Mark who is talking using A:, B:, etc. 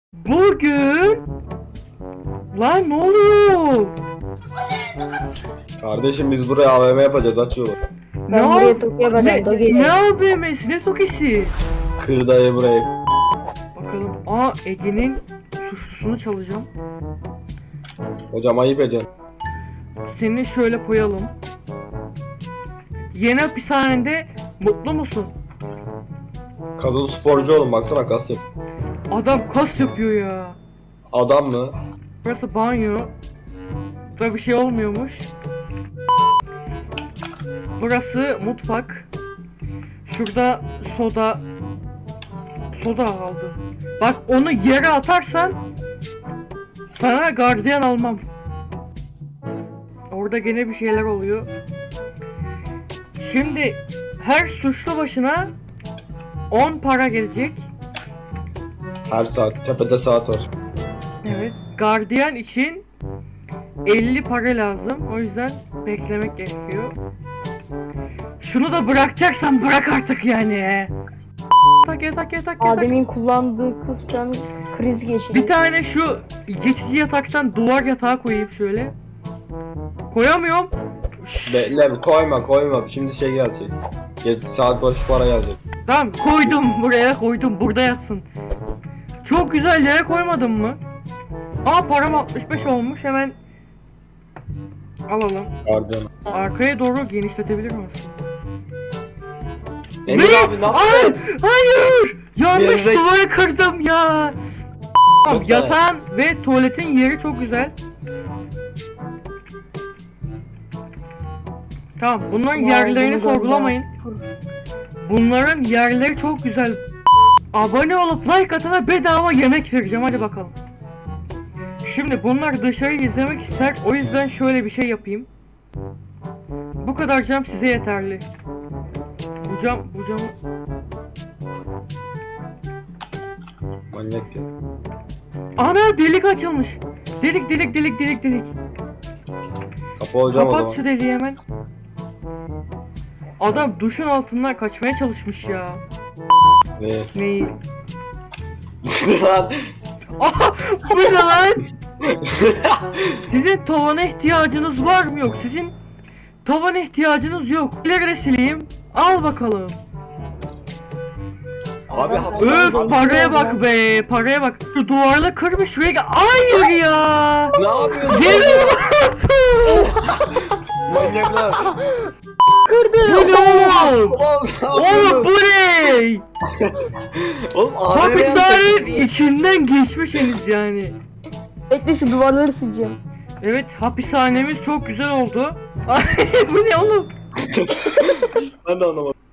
A: Bugün lan ne oluyor?
B: Kardeşim biz buraya AVM yapacağız, aç yolu.
A: Ne
C: Ben buraya Toki yapacağım. Toki.
A: ne AVM'si ne Toki'si?
B: Kır dayı burayı.
A: Bakalım. Ege'nin suçlusunu çalacağım.
B: Hocam ayıp ediyorsun.
A: Seni şöyle koyalım. Yeni hapishanede mutlu musun?
B: Kadın sporcu oğlum, baksana kas yap.
A: Adam kas yapıyor ya.
B: Adam mı?
A: Burası banyo. Burada bir şey olmuyormuş. Burası mutfak. Şurada soda. Soda aldım. Bak onu yere atarsan sana gardiyan almam. Orada gene bir şeyler oluyor. Şimdi her suçlu başına 10 para gelecek.
B: Her saat, tepede saat var.
A: Evet. Gardiyan için 50 para lazım. O yüzden beklemek gerekiyor. Şunu da bırakacaksan bırak artık yani. Tak.
C: Adem'in kullandığı kız şu an kriz geçiriyor.
A: Bir tane şu geçici yataktan duvar yatağı koyayım şöyle. Koyamıyorum.
B: Bekle, koyma. Şimdi şey gelecek. Saat başı para gelecek.
A: Tamam koydum, buraya koydum, burada yatsın. Çok güzel yere koymadın mı? Param 65 olmuş, hemen alalım.
B: Gardiyan.
A: Arkaya doğru genişletebilir misin?
B: Emir abi ne yapıyorsun?
A: Hayır! Yanlış
B: Gerizek-
A: duvarı kırdım ya.
B: Çok
A: Yatağın ve tuvaletin yeri çok güzel. Tamam, bunların yerlerini sorgulamayın. Bunların yerleri çok güzel. Abone olup like atana bedava yemek vereceğim, hadi bakalım. Şimdi bunlar dışarıyı izlemek ister, o yüzden şöyle bir şey yapayım. Bu kadar cam size yeterli. Bu cam...
B: Manyak ya.
A: Ana, delik açılmış. Delik.
B: Kapı hocam o
A: Kapat
B: zaman.
A: şu deliği hemen. Adam duşun altından kaçmaya çalışmış ya.
B: Ne?
A: Neyi? Bu ne lan? Sizin tavana ihtiyacınız var mı? Yok. Sizin tavana ihtiyacınız yok. İleri sileyim. Al bakalım.
B: Abi
A: Öf, paraya bak be. Paraya bak. Şu duvarla kırmış şuraya gel. Hayır ya.
B: Ne yapıyorsun?
A: Geliyor.
B: Manyaklar.
A: Bu ne oğlum? Oğlum bu ne?
B: Oğlum
A: Hapishanenin içinden geçmişsiniz yani.
C: Bekle şu duvarları sileceğim.
A: Evet, hapishanemiz çok güzel oldu. Ay, bu ne oğlum?
B: Ben de anlamadım.